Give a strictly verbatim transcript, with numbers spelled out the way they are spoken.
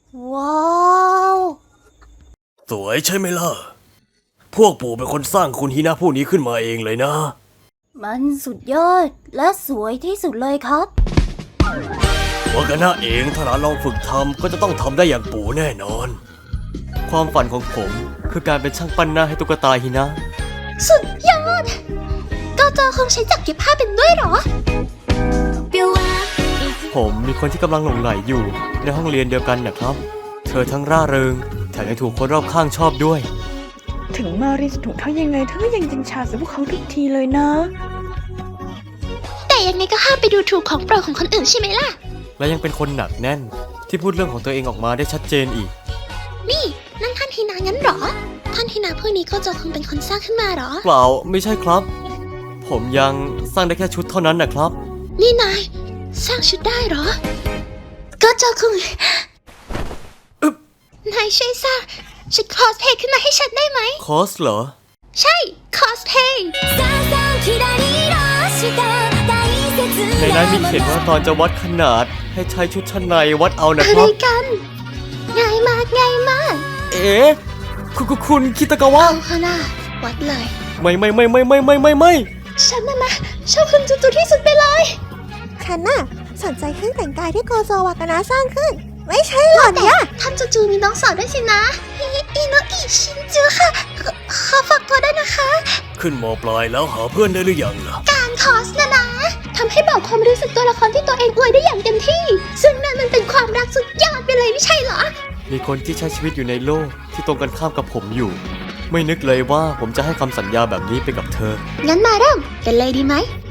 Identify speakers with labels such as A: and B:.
A: ว้าว
B: สวยใช่ไหมล่ะพวกปู่เป็นคนสร้างคุณฮินะผู้นี้ขึ้นมาเองเลยนะ
A: มันสุดยอดและสวยที่สุดเลยครับ
B: วากานะเองถ้าหลานลองฝึกทำก็จะต้องทำได้อย่างปู่แน่นอนความฝันของผมคือการเป็นช่างปั้นหน้าให้ตุ๊กตาฮินะ
A: สุดยอดก็เจอคงใช้จักรเก็บผ้าเป็นด้วยหรอ
B: ผมมีคนที่กำลังหลงไหลอยู่ในห้องเรียนเดียวกันนะครับเธอทั้งร่าเริงแถมยังถูกคนรอบข้างชอบด้วย
C: ถึงมารีจะถูกเท่ายังไงเธอก็ยังจิงชาใส่พวกเขาทุกทีเลยนะ
A: แต่ยังไงก็ห้ามไปดูถูกของโปรดของคนอื่นใช่ไหมล่ะ
B: และยังเป็นคนหนักแน่นที่พูดเรื่องของตัวเองออกมาได้ชัดเจนอีก
A: นี่นั่นท่านฮินางั้นหรอท่านฮินาผู้นี้ก็จะคงเป็นคนสร้างขึ้นมาหรอ
B: เปล่าไม่ใช่ครับผมยังสร้างได้แค่ชุดเท่านั้นนะครับ
A: นี่นายสร้างชุดได้หรอก็จะคงนายช่วยสร้างชุดคอสเพลย์ขึ้นมาให้ฉันได้ไหม
B: คอสเหรอ
A: ใช่คอสเพลย์
B: ในนั้นมีเขียนว่าตอนจะวัดขนาดให้ใช้ชุดชั้นในวัดเอานะค
A: รั
B: บ
A: อะไรกันง่ายมากง่ายมาก
B: เอ๊ะคุณคุณคิตากาวะ
A: เอาค่ะนะวัดเลย
B: ไม่ไม่ไม่ไม่ไม่ไม่ไม่ไม่
A: ฉันน่ะนะชอบคุณจุดๆที่สุดไปเลย
D: ฉันน่ะสนใจเครื่องแต่งกายที่โกโซวากานะสร้างขึ้นไม่ใช่หรอเนี่ย
A: ท่านจูๆมีน้องสาวด้วยสินะอิโนอิชินจูค่ะขอฝากตัวได้นะคะ
B: ขึ้นม.ปลายแล้วหาเพื่อนได้หรือยังล่ะ
A: การคอสนะนะทำให้บอกความรู้สึกตัวละครที่ตัวเองอวยได้อย่างเต็มที่ซึ่งนั่นมันเป็นความรักสุดยอดไปเลยไม่ใช่เหรอ
B: มีคนที่ใช้ชีวิตอยู่ในโลกที่ตรงกันข้ามกับผมอยู่ไม่นึกเลยว่าผมจะให้คำสัญญาแบบนี้ไปกับเธอ
A: งั้นมาเริ่มกันเลยดีไหม